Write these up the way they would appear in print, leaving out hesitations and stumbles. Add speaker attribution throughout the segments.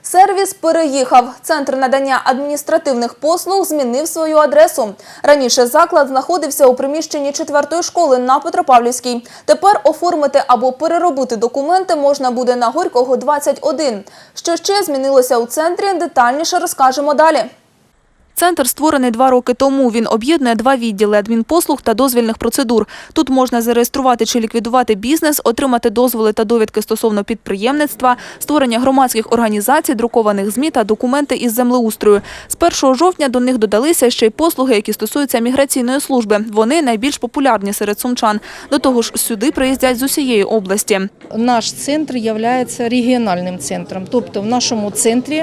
Speaker 1: Сервіс переїхав. Центр надання адміністративних послуг змінив свою адресу. Раніше заклад знаходився у приміщенні 4-ї школи на Петропавлівській. Тепер оформити або переробити документи можна буде на Горького, 21. Що ще змінилося у центрі, детальніше розкажемо далі. Центр створений 2 роки тому. Він об'єднує 2 відділи – адмінпослуг та дозвільних процедур. Тут можна зареєструвати чи ліквідувати бізнес, отримати дозволи та довідки стосовно підприємництва, створення громадських організацій, друкованих ЗМІ та документи із землеустрою. З 1 жовтня до них додалися ще й послуги, які стосуються міграційної служби. Вони найбільш популярні серед сумчан. До того ж, сюди приїздять з усієї області.
Speaker 2: Наш центр є регіональним центром. Тобто в нашому центрі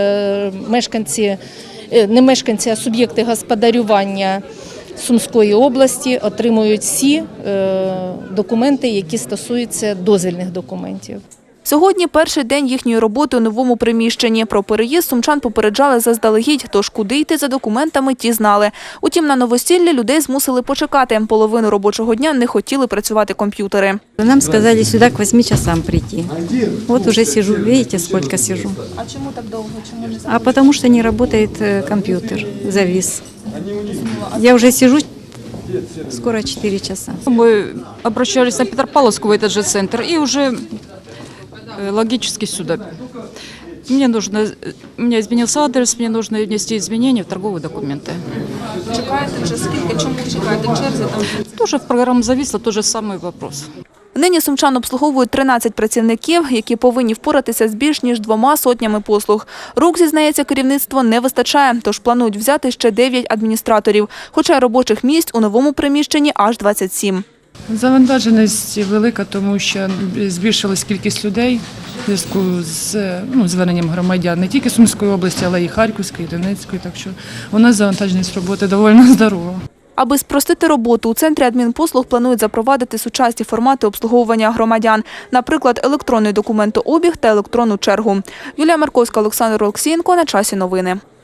Speaker 2: не мешканці, а суб'єкти господарювання Сумської області отримують всі документи, які стосуються дозвільних документів.
Speaker 1: Сьогодні перший день їхньої роботи у новому приміщенні. Про переїзд сумчан попереджали заздалегідь, тож куди йти за документами ті знали. Утім, на новосіллі людей змусили почекати. Половину робочого дня не хотіли працювати комп'ютери.
Speaker 3: Нам сказали сюди к 8 часам прийти. Вот уже сижу, видите, сколько сижу.
Speaker 1: А чому так довго? Чому не
Speaker 3: А потому что не работает компьютер, завис. Я уже сижу скоро 4 часа.
Speaker 4: Мы обращались на Петропавловскую, в этот же центр, и уже логически сюда. У меня изменился адрес, мне нужно внести изменения в торговые документы.
Speaker 1: Чекаєте вже скільки? Чому чекаєте? Черзі там?
Speaker 4: Тоже в программу зависло, тот же самый вопрос.
Speaker 1: Нині сумчан обслуговують 13 працівників, які повинні впоратися з більш ніж 2 сотнями послуг. Рук, зізнається керівництво, не вистачає, тож планують взяти ще 9 адміністраторів. Хоча робочих місць у новому приміщенні аж 27.
Speaker 5: Завантаженість велика, тому що збільшилась кількість людей в зв'язку з зверненням громадян не тільки Сумської області, але й Харківської, і Донецької. Так що у нас завантаженість роботи доволі здорова.
Speaker 1: Аби спростити роботу, у центрі адмінпослуг планують запровадити сучасні формати обслуговування громадян. Наприклад, електронний документообіг та електронну чергу. Юлія Марковська, Олександр Олексієнко. На часі новини.